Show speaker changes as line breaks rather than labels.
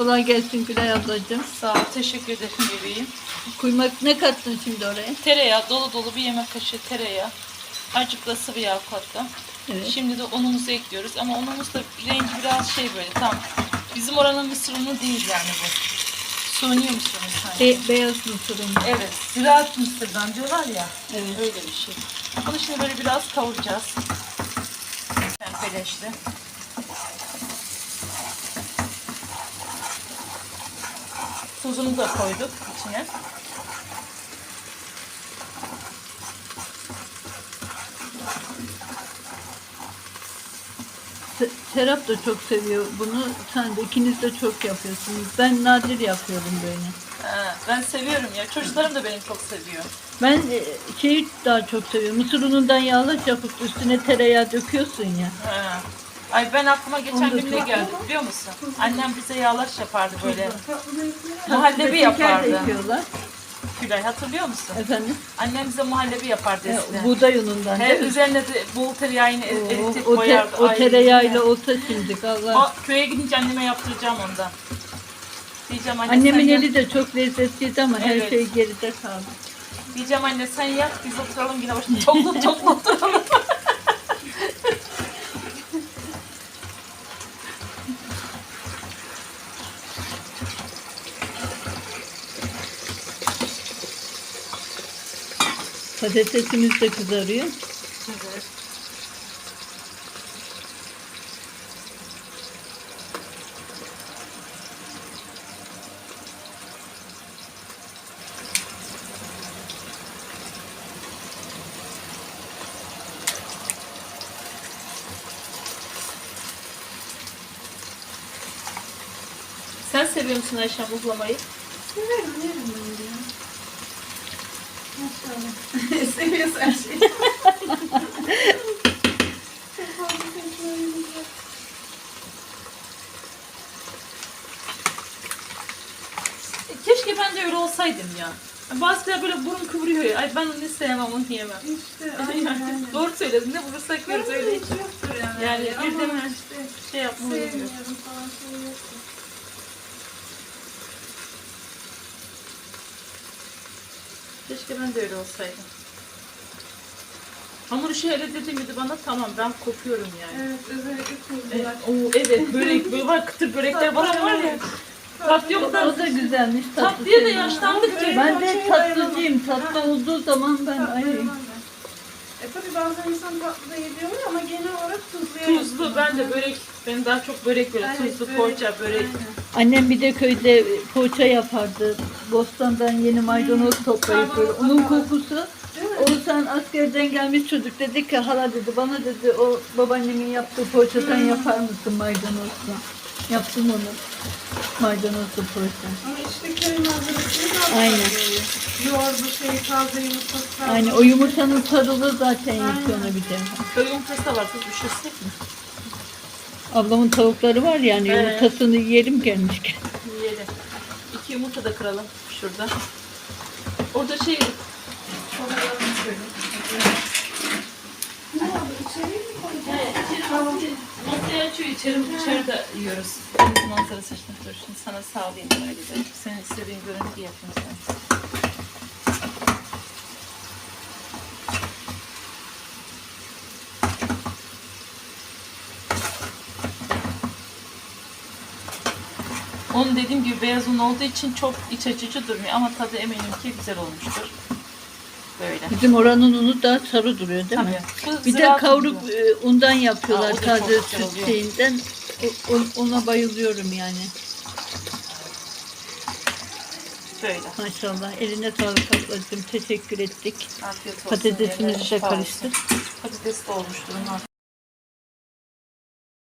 Kolay gelsin Gülay ablacığım.
Sağ ol, teşekkür ederim bebeğim.
Kuymak ne kattın şimdi oraya?
Tereyağı, dolu dolu bir yemek kaşığı tereyağı. Azıcık da sıvı yağ kattım.
Evet.
Şimdi de unumuzu ekliyoruz ama unumuz da rengi biraz şey böyle tam. Bizim oranın mısır unu değil yani bu. Suni mısır unu sanki.
Beyaz mısır unu.
Evet, ziraat mısırdan diyorlar ya.
Evet.
Öyle bir şey. Bunu şimdi böyle biraz kavuracağız. Pembeleşti. Tuzunu da koyduk içine.
Serap da çok seviyor bunu. Sen de ikiniz de çok yapıyorsunuz. Ben nadir yapıyorum böyle.
Ben seviyorum ya. Çocuklarım da beni çok seviyor.
Ben şeyi daha çok seviyorum. Mısır unundan yağlaç yapıp üstüne tereyağı döküyorsun ya.
Ha. Ay ben aklıma geçen
Onu da
gün ne
çok-
geldi biliyor musun? Annem bize yağlaç yapardı böyle.
Muhallebi
Muhallebi yapardı.
yapıyorlar.
Gülay hatırlıyor musun?
Efendim?
Annem bize muhallebi yapardı eskiden.
Buğday unundan
He,
değil mi?
üzerine de bol tereyağını eritip
O
koyardı. Ay,
tereyağıyla olsa şimdi Allah.
Köye gidince anneme yaptıracağım ondan. Diyeceğim anne
Annemin
sen
eli de çok lezzetliydi ama her
Evet.
şey geride kaldı.
Diyeceğim anne sen yap biz oturalım yine başında toplu oturalım.
Patatesimiz de kızarıyor.
Evet. Sen seviyor musun Ayşem buhlamayı?
Severim, yerim ben ya. Maşallah. Seviyorsun her şeyi.
Keşke ben de öyle olsaydım ya. Bazıları böyle burun kıvırıyor ya. Ay ben onu sevmem, onu yemem.
İşte aynen.
Doğru söyledin. Ne bulursak yeriz öyle hiç.
Yoktur yani.
Yani bir de
Ama
mi
işte
şey yapmalıyız.
sevmiyorum falan şey yoktur.
Keşke ben de öyle olsaydım. Hamur işi hele dediğim gibi bana tamam ben kopuyorum yani.
Evet, özellikle tuzlular.
Evet börek böyle var kıtır börekler bana var ya. Tat yok da
O da güzelmiş.
tatlıya da
seviyorum.
yaşlandık ki.
Ben de tatlıcıyım. Tatlı olduğu zaman ben ay,
Tabii bazen insan tatlı da yediyor ama genel olarak tuzluya
Tuzlu ben de börek. Ben daha çok börek böyle
Evet,
tuzlu
börek.
poğaça börek.
annem bir de köyde poğaça yapardı. Bostandan yeni maydanoz toplayıp böyle. Onun kokusu. Oğuzhan askerden gelmiş çocuk dedi ki hala dedi bana dedi o babaannemin yaptığı poğaçadan yapar mısın maydanozla? Yaptım onu. Maydanozlu poğaça.
Ama işte köy malzemesini daha
Aynen.
Yoğurdu şey taze yumurtası taze.
Aynen o yumurtanın sarılı zaten yapıyor ona bir de.
Köy yumurtası da var kız düşürsek mi?
Ablamın tavukları var yani
Evet.
yumurtasını yiyelim gelmişken.
Yiyelim. 2 yumurta da kıralım şurada. Orada şey
Ne oldu? İçeriye mi koyacaksın?
masaya açıyor içeride yiyoruz. Deniz manzarası işte. Dur şimdi sana sağlayayım öyle de. Senin istediğin görüntü yapayım sana. Onun dediğim gibi beyaz un olduğu için çok iç açıcı durmuyor ama tadı eminim ki güzel olmuştur. Böyle.
Bizim oranın unu da sarı duruyor değil mi?
Tabii. Bu
Bir de
ziraat
kavruk
unu.
undan yapıyorlar
Aa, o da
taze
çok güzel
süt
oluyor.
şeyinden. Ona bayılıyorum yani.
Böyle.
Maşallah. Eline sağlık ablacığım. Teşekkür ettik.
Afiyet olsun.
Patatesimizi
Yerine
de
şifa olsun.
karıştır.
Patates de olmuştur.